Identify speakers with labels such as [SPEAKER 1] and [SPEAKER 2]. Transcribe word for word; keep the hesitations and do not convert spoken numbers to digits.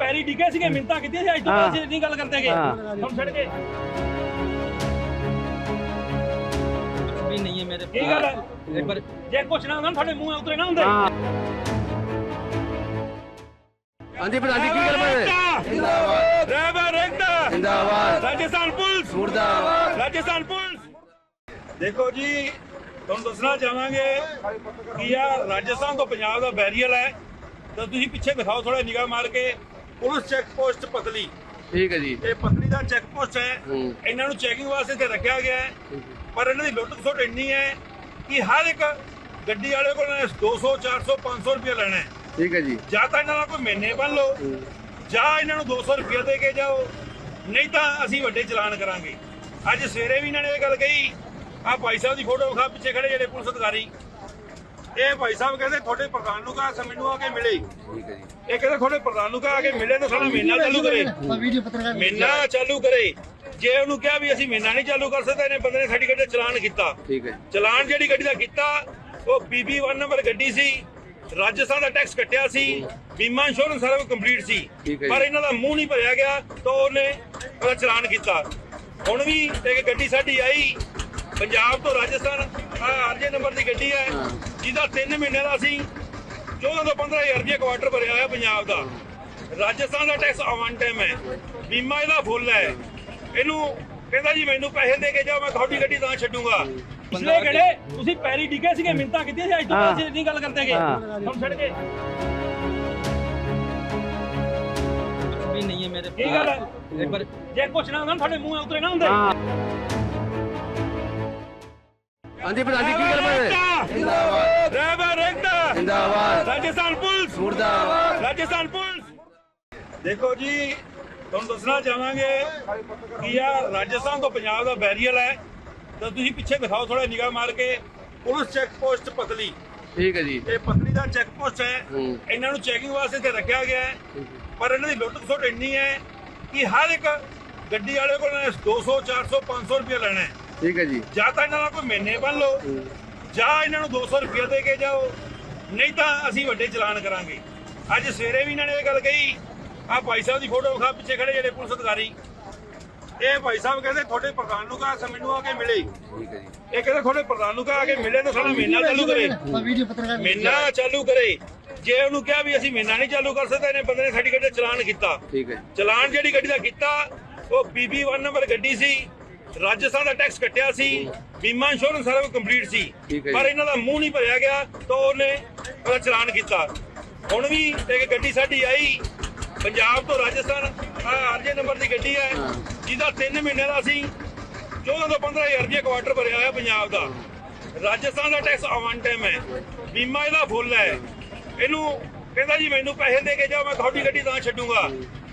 [SPEAKER 1] ਪੈਰੀ ਡਿੱਗੇ ਸੀਗੇ, ਮਿੰਤਾਂ ਕੀਤੀਆਂ ਸੀ, ਅੱਜ ਤੋਂ ਬਾਅਦ ਅਸੀਂ ਨਹੀਂ ਗੱਲ ਕਰਦੇਗੇ ਹੁਣ ਛੱਡ ਕੇ।
[SPEAKER 2] भी नहीं है मेरे
[SPEAKER 1] ਕੀ ਗੱਲ ਹੈ?
[SPEAKER 2] एक बार
[SPEAKER 1] ਜੇ ਕੁਛ ਨਾ ਹੁੰਦਾ ਤੁਹਾਡੇ ਮੂੰਹ ਉਤਰੇ ਨਾ ਹੁੰਦੇ।
[SPEAKER 3] ਹਾਂਜੀ ਪ੍ਰਧਾਨ ਜੀ ਕੀ ਗੱਲ ਬਣ
[SPEAKER 1] ਜਿੰਦਾਬਾਦ ਰਹਿਬਰ ਰਹਿੰਦਾ
[SPEAKER 3] ਜਿੰਦਾਬਾਦ
[SPEAKER 1] ਰਾਜਸਥਾਨ ਪੁਲਿਸ
[SPEAKER 3] ਮੁਰਦਾਬਾਦ
[SPEAKER 1] ਰਾਜਸਥਾਨ ਪੁਲਿਸ। ਦੇਖੋ ਜੀ ਤੁਹਾਨੂੰ ਦੱਸਣਾ ਚਾਹਾਂਗੇ ਕਿ ਆ ਰਾਜਸਥਾਨ ਤੋਂ ਪੰਜਾਬ ਦਾ ਬੈਰੀਅਰ ਹੈ, ਤਾਂ ਤੁਸੀਂ ਪਿੱਛੇ ਦਿਖਾਓ ਥੋੜਾ ਨਿਗਾਹ ਮਾਰ ਕੇ। ਪੁਲਿਸ ਚੈੱਕ ਪੋਸਟ ਪਤਲੀ,
[SPEAKER 3] ਠੀਕ ਹੈ ਜੀ।
[SPEAKER 1] ਇਹ ਪਤਲੀ ਦਾ ਚੈੱਕ ਪੋਸਟ ਹੈ।
[SPEAKER 3] ਹੂੰ।
[SPEAKER 1] ਇਹਨਾਂ ਨੂੰ ਚੈਕਿੰਗ ਵਾਸਤੇ ਤੇ ਰੱਖਿਆ ਗਿਆ ਹੈ, ਪਰ ਇਹਨਾਂ ਦੀ ਲੁੱਟ ਖਸੁੱਟ ਇੰਨੀ ਹੈ ਕਿ ਹਰ ਇੱਕ ਗੱਡੀ ਵਾਲੇ ਕੋਲ ਦੋ ਸੌ ਚਾਰ ਸੌ ਪੰਜ ਸੌ ਰੁਪਏ ਲੈਣਾ ਹੈ।
[SPEAKER 3] ਠੀਕ ਹੈ ਜੀ।
[SPEAKER 1] ਜਾਂ ਤਾਂ ਇਹਨਾਂ ਦਾ ਕੋਈ ਮਹੀਨੇ ਬੰਨ ਲਓ, ਜਾਂ ਇਹਨਾਂ ਨੂੰ ਦੋ ਸੌ ਰੁਪਏ ਦੇ ਕੇ ਜਾਓ, ਨਹੀਂ ਤਾਂ ਅਸੀਂ ਵੱਡੇ ਚਲਾਨ ਕਰਾਂਗੇ। ਅੱਜ ਸਵੇਰੇ ਵੀ ਇਹਨਾਂ ਨੇ ਇਹ ਗੱਲ ਕਹੀ। ਆ ਭਾਈ ਸਾਹਿਬ ਦੀ ਫੋਟੋ ਵਿਖਾ ਪਿੱਛੇ ਖੜੇ ਜਿਹੜੇ ਪੁਲਿਸ ਅਧਿਕਾਰੀ। ਇਹ ਭਾਈ ਸਾਹਿਬ ਕਹਿੰਦੇ ਤੁਹਾਡੇ ਪ੍ਰਧਾਨ ਨੂੰ ਕਹਾ ਮੈਨੂੰ ਆ ਕੇ ਮਿਲੇ।
[SPEAKER 3] ਠੀਕ ਹੈ ਜੀ।
[SPEAKER 1] ਇਹ ਕਹਿੰਦੇ ਤੁਹਾਡੇ ਪ੍ਰਧਾਨ ਨੂੰ ਕਹਾ ਕੇ ਮਿਲੇ ਤਾਂ ਸਾਡਾ ਮਹੀਨਾ ਚਾਲੂ ਕਰੇ, ਮਹੀਨਾ ਚਾਲੂ ਕਰੇ। ਜੇ ਉਹਨੂੰ ਕਿਹਾ ਵੀ ਅਸੀਂ ਮਹੀਨਾ ਨਹੀਂ ਚਾਲੂ ਕਰ ਸਕਦੇ, ਇਹਨੇ ਬੰਦੇ ਨੇ ਸਾਡੀ ਗੱਡੀ ਦਾ ਚਲਾਨ ਕੀਤਾ।
[SPEAKER 3] ਠੀਕ ਹੈ।
[SPEAKER 1] ਚਲਾਨ ਜਿਹੜੀ ਗੱਡੀ ਦਾ ਕੀਤਾ ਉਹ ਬੀਬੀ ਇੱਕ ਨੰਬਰ ਗੱਡੀ ਸੀ, ਰਾਜਸਥਾਨ ਦਾ ਟੈਕਸ ਕੱਟਿਆ ਸੀ, ਬੀਮਾ ਇੰਸ਼ੋਰੈਂਸ ਸਾਰਾ ਕੁਝ ਕੰਪਲੀਟ ਸੀ, ਪਰ ਇਹਨਾਂ ਦਾ ਮੂੰਹ ਨਹੀਂ ਭਰਿਆ ਗਿਆ ਤਾਂ ਉਹਨੇ ਉਹਦਾ ਚਲਾਨ ਕੀਤਾ। ਹੁਣ ਵੀ ਇੱਕ ਗੱਡੀ ਸਾਡੀ ਆਈ ਪੰਜਾਬ ਤੋਂ ਰਾਜਸਥਾਨ, ਆਰਜੇ ਨੰਬਰ ਦੀ ਗੱਡੀ ਹੈ, ਜਿਹਦਾ ਤਿੰਨ ਮਹੀਨੇ ਦਾ ਅਸੀਂ ਚੌਦਾਂ ਤੋਂ ਪੰਦਰਾਂ ਹਜ਼ਾਰ ਰੁਪਏ ਕੁਆਟਰ ਭਰਿਆ ਹੋਇਆ ਪੰਜਾਬ ਦਾ। ਰਾਜਸਥਾਨ ਦਾ ਟੈਕਸ ਵਨ ਟਾਈਮ ਹੈ, ਬੀਮਾ ਇਹਦਾ ਫੁੱਲ ਹੈ। ਇਹਨੂੰ ਕਹਿੰਦਾ ਜੀ ਮੈਨੂੰ ਪੈਸੇ ਦੇ ਕੇ ਜਾਓ, ਮੈਂ ਤੁਹਾਡੀ ਗੱਡੀ ਤਾਂ ਛੱਡੂਗਾ। ਪਿਛਲੇ ਗੜੇ ਤੁਸੀਂ ਪੈਰੀ ਡਿੱਗੇ ਸੀਗੇ, ਮਿੰਤਾਂ ਕੀਤੀਆਂ ਸੀ, ਅੱਜ ਤੋਂ ਬਾਅਦ ਅਸੀਂ ਨਹੀਂ ਗੱਲ ਕਰਦੇਗੇ ਹੁਣ ਛੱਡ ਕੇ।
[SPEAKER 2] भी नहीं है मेरे
[SPEAKER 1] ਕੀ ਗੱਲ ਹੈ?
[SPEAKER 2] एक बार
[SPEAKER 1] ਜੇ ਕੁਛ ਨਾ ਹੁੰਦਾ ਤੁਹਾਡੇ ਮੂੰਹ ਉਤਰੇ ਨਾ ਹੁੰਦੇ।
[SPEAKER 3] ਹਾਂਜੀ ਪ੍ਰਧਾਨ ਜੀ ਕੀ ਗੱਲ ਬਣ
[SPEAKER 1] ਜਿੰਦਾਬਾਦ ਰਹਿਬਰ ਰਹਿੰਦਾ
[SPEAKER 3] ਜਿੰਦਾਬਾਦ
[SPEAKER 1] ਰਾਜਸਥਾਨ ਪੁਲਿਸ
[SPEAKER 3] ਮੁਰਦਾਬਾਦ
[SPEAKER 1] ਰਾਜਸਥਾਨ ਪੁਲਿਸ। ਦੇਖੋ ਜੀ ਤੁਹਾਨੂੰ ਦੱਸਣਾ ਚਾਹਾਂਗੇ ਕਿ ਆ ਰਾਜਸਥਾਨ ਤੋਂ ਪੰਜਾਬ ਦਾ ਬੈਰੀਅਰ ਹੈ, ਤਾਂ ਤੁਸੀਂ ਪਿੱਛੇ ਦਿਖਾਓ ਥੋੜਾ ਨਿਗਾਹ ਮਾਰ ਕੇ। ਪੁਲਿਸ ਚੈੱਕ ਪੋਸਟ ਪਤਲੀ,
[SPEAKER 3] ਠੀਕ ਹੈ ਜੀ।
[SPEAKER 1] ਇਹ ਪਤਲੀ ਦਾ ਚੈੱਕ ਪੋਸਟ ਹੈ।
[SPEAKER 3] ਹੂੰ।
[SPEAKER 1] ਇਹਨਾਂ ਨੂੰ ਚੈਕਿੰਗ ਵਾਸਤੇ ਤੇ ਰੱਖਿਆ ਗਿਆ ਹੈ, ਪਰ ਇਹਨਾਂ ਦੀ ਲੁੱਟ ਖਸੁੱਟ ਇੰਨੀ ਹੈ ਕਿ ਹਰ ਇੱਕ ਗੱਡੀ ਵਾਲੇ ਕੋਲ ਦੋ ਸੌ ਚਾਰ ਸੌ ਪੰਜ ਸੌ ਰੁਪਏ ਲੈਣਾ ਹੈ।
[SPEAKER 3] ਠੀਕ ਹੈ ਜੀ।
[SPEAKER 1] ਜਾਂ ਤਾਂ ਇਹਨਾਂ ਦਾ ਕੋਈ ਮਹੀਨੇ ਬੰਨ ਲਓ, ਜਾਂ ਇਹਨਾਂ ਨੂੰ ਦੋ ਸੌ ਰੁਪਏ ਦੇ ਕੇ ਜਾਓ, ਨਹੀਂ ਤਾਂ ਅਸੀਂ ਵੱਡੇ ਚਲਾਨ ਕਰਾਂਗੇ। ਅੱਜ ਸਵੇਰੇ ਵੀ ਇਹਨਾਂ ਨੇ ਇਹ ਗੱਲ ਕਹੀ। ਆ ਭਾਈ ਸਾਹਿਬ ਦੀ ਫੋਟੋ ਵਿਖਾ ਪਿੱਛੇ ਖੜੇ ਜਿਹੜੇ ਪੁਲਿਸ ਅਧਿਕਾਰੀ। ਇਹ ਭਾਈ ਸਾਹਿਬ ਕਹਿੰਦੇ ਤੁਹਾਡੇ ਪ੍ਰਧਾਨ ਨੂੰ ਕਹਾ ਮੈਨੂੰ ਆ ਕੇ ਮਿਲੇ।
[SPEAKER 3] ਠੀਕ ਹੈ ਜੀ।
[SPEAKER 1] ਇਹ ਕਹਿੰਦੇ ਤੁਹਾਡੇ ਪ੍ਰਧਾਨ ਨੂੰ ਕਹਾ ਕੇ ਮਿਲੇ ਤਾਂ ਸਾਡਾ ਮਹੀਨਾ ਚਾਲੂ ਕਰੇ, ਮਹੀਨਾ ਚਾਲੂ ਕਰੇ। ਜੇ ਉਹਨੂੰ ਕਿਹਾ ਵੀ ਅਸੀਂ ਮਹੀਨਾ ਨਹੀਂ ਚਾਲੂ ਕਰ ਸਕਦੇ, ਇਹਨੇ ਬੰਦੇ ਨੇ ਸਾਡੀ ਗੱਡੀ ਦਾ ਚਲਾਨ ਕੀਤਾ।
[SPEAKER 3] ਠੀਕ ਹੈ।
[SPEAKER 1] ਚਲਾਨ ਜਿਹੜੀ ਗੱਡੀ ਦਾ ਕੀਤਾ ਉਹ ਬੀਬੀ ਇੱਕ ਨੰਬਰ ਗੱਡੀ ਸੀ, ਰਾਜਸਥਾਨ ਦਾ ਟੈਕਸ ਕੱਟਿਆ ਸੀ, ਬੀਮਾ ਇੰਸ਼ੋਰੈਂਸ ਸਾਰਾ ਕੁਝ ਕੰਪਲੀਟ ਸੀ, ਪਰ ਇਹਨਾਂ ਦਾ ਮੂੰਹ ਨਹੀਂ ਭਰਿਆ ਗਿਆ ਤਾਂ ਉਹਨੇ ਉਹਦਾ ਚਲਾਨ ਕੀਤਾ। ਹੁਣ ਵੀ ਇੱਕ ਗੱਡੀ ਸਾਡੀ ਆਈ ਪੰਜਾਬ ਤੋਂ ਰਾਜਸਥਾਨ, ਆਰਜੇ ਨੰਬਰ ਦੀ ਗੱਡੀ ਹੈ, ਜਿਹਦਾ ਤਿੰਨ ਮਹੀਨੇ ਦਾ ਅਸੀਂ ਚੌਦਾਂ ਤੋਂ ਪੰਦਰਾਂ ਹਜ਼ਾਰ ਰੁਪਏ ਕੁਆਟਰ ਭਰਿਆ ਹੋਇਆ ਪੰਜਾਬ ਦਾ। ਰਾਜਸਥਾਨ ਦਾ ਟੈਕਸ ਵਨ ਟਾਈਮ ਹੈ, ਬੀਮਾ ਇਹਦਾ ਫੁੱਲ ਹੈ। ਇਹਨੂੰ ਕਹਿੰਦਾ ਜੀ ਮੈਨੂੰ ਪੈਸੇ ਦੇ ਕੇ ਜਾਓ, ਮੈਂ ਤੁਹਾਡੀ ਗੱਡੀ ਤਾਂ ਛੱਡੂਗਾ।